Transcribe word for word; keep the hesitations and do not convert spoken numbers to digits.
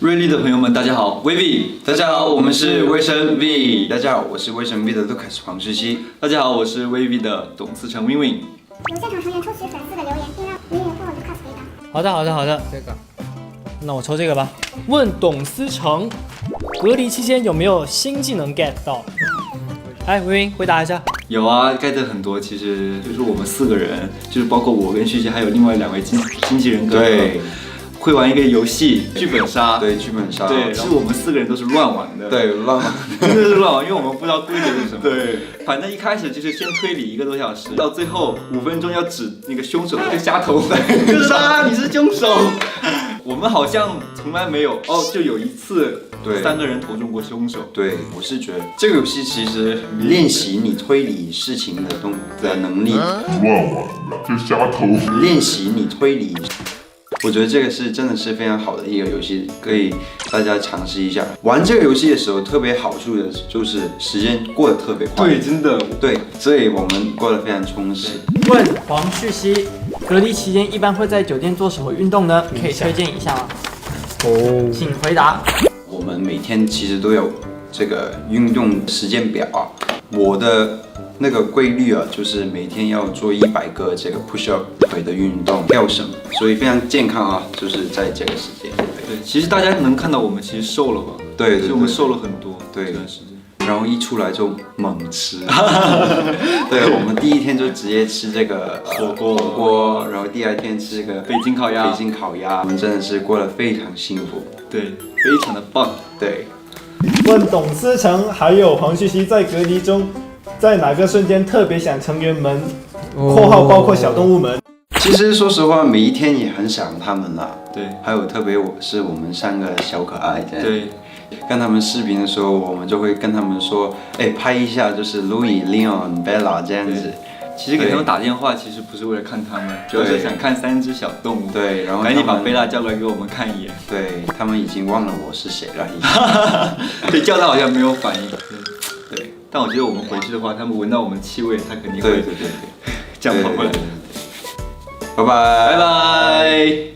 瑞丽的朋友们，大家好，威 V， 大家好，我们是威神 V。大家好，我是威神 V 的 Lucas 黄世熙。 大家好，我是威 V 的董思成 Win Win。 由现场成员抽取粉丝的留言，并让 Win Win 或 Lucas 回答。 好的，好的，好的，这个，那我抽这个吧。问董思成，隔离期间有没有新技能 get 到？哎，微微回答一下。 有啊 ，get 很多。其实就是我们四个人，就是包括我跟旭旭，还有另外两位经经纪人哥哥， 对， 会玩一个游戏剧本杀。 对，剧本杀。 对，是我们四个人都是乱玩的。 对，乱玩， 真的是乱玩，因为我们不知道规则是什么。 对， 反正一开始就是先推理一个多小时，到最后五分钟要指那个凶手，就瞎投，就是啊，你是凶手。我们好像从来没有哦，就有一次， 对， 三个人投中过凶手。 对，我是觉得这个游戏其实练习你推理事情的动的能力， 乱玩的就瞎投， 练习你推理。我觉得这个是真的是非常好的一个游戏，可以大家尝试一下。玩这个游戏的时候，特别好处的就是时间过得特别快。 对，真的。 对，所以我们过得非常充实。 问黄旭熙，隔离期间一般会在酒店做什么运动呢？可以推荐一下吗？哦，请回答。 我们每天其实都有这个运动时间表啊。我的那个规律啊，就是每天要做一百个这个 push up 腿的运动，跳绳，所以非常健康啊，就是在这个时间。 对，其实大家能看到我们其实瘦了吧？ 对对对， 其实我们瘦了很多。 对， 这段时间。 然后一出来就猛吃，对，我们第一天就直接吃这个、呃、 火锅， 火锅，然后第二天吃这个北京烤鸭， 北京烤鸭，我们真的是过得非常幸福， 对，非常的棒， 对。 问董思成还有黄旭熙在隔离中，在哪个瞬间特别想成员们（括号包括小动物们）？ 其实说实话，每一天也很想他们啦。 对， 还有特别我是我们三个小可爱这样。 对。 跟他们视频的时候，我们就会跟他们说，哎，拍一下就是 Louis、Leon、Bella 这样子。 其实给他们打电话，其实不是为了看他们，主要是想看三只小动物。 对，然后赶紧把贝拉叫过来给我们看一眼。 对，他们已经忘了我是谁了。 对，叫他好像没有反应。对，对。但我觉得我们回去的话，他们闻到我们气味，他肯定会对对对对， 这样跑过来。 拜拜， 拜拜。